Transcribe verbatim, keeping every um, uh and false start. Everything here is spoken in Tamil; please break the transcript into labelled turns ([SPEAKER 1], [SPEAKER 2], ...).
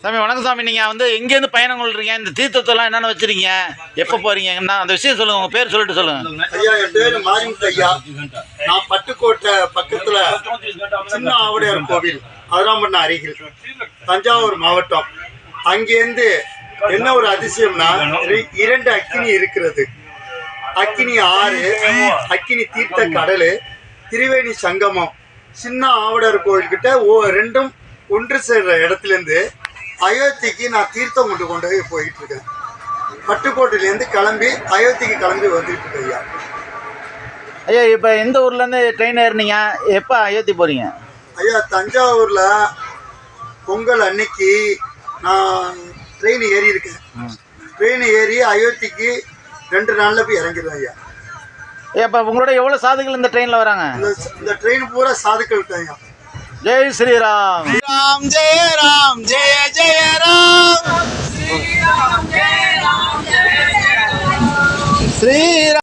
[SPEAKER 1] சாமி வணக்கம் சாமி. நீங்கள் வந்து எங்கேருந்து பயணம் கொள்றீங்க? இந்த தீர்த்தத்தெல்லாம் என்னென்ன வச்சுருக்கீங்க? எப்போ போகிறீங்க? என்ன அந்த விஷயம் சொல்லுங்கள். உங்கள் பேர் சொல்லிட்டு சொல்லுங்கள்.
[SPEAKER 2] ஐயா, என் பேர் மாரிமுத்து ஐயா. நான் பட்டுக்கோட்டை பக்கத்தில் சின்ன ஆவுடையார் கோவில் அதிராம்பண்ண அருகில் தஞ்சாவூர் மாவட்டம். அங்கேருந்து என்ன ஒரு அதிசயம்னா, இரண்டு அக்கினி இருக்கிறது. அக்கினி ஆறு, அக்கினி தீர்த்த கடல், திரிவேணி சங்கமம். சின்ன ஆவுடையார் கோவில்கிட்ட ஓ ரெண்டும் ஒன்று சேர்ற இடத்துலேருந்து அயோத்திக்கு நான் தீர்த்தம் கொண்டு கொண்டு போய் போயிட்டு இருக்கேன். பட்டுக்கோட்டையிலேருந்து கிளம்பி அயோத்திக்கு கிளம்பி வந்துட்டு இருக்கேன் ஐயா.
[SPEAKER 1] ஐயா, இப்போ எந்த ஊர்லேருந்து ட்ரெயின் ஏறினீங்க? எப்போ அயோத்தி போகிறீங்க?
[SPEAKER 2] ஐயா, தஞ்சாவூரில் பொங்கல் அன்னைக்கு நான் ட்ரெயின் ஏறி இருக்கேன். ட்ரெயின் ஏறி அயோத்திக்கு ரெண்டு நாளில் போய் இறங்கிடுவேன் ஐயா.
[SPEAKER 1] ஐயா, இப்போ உங்களோட எவ்வளோ சாதுக்கள் இந்த ட்ரெயினில் வராங்க?
[SPEAKER 2] இந்த ட்ரெயின் பூரா சாதுக்கள் தான் ஐயா.
[SPEAKER 1] ஜெய் ஸ்ரீராம்.
[SPEAKER 2] ராம் ஜெய ராம் ஜெய ஜெய ராம்.
[SPEAKER 1] ஸ்ரீராம்.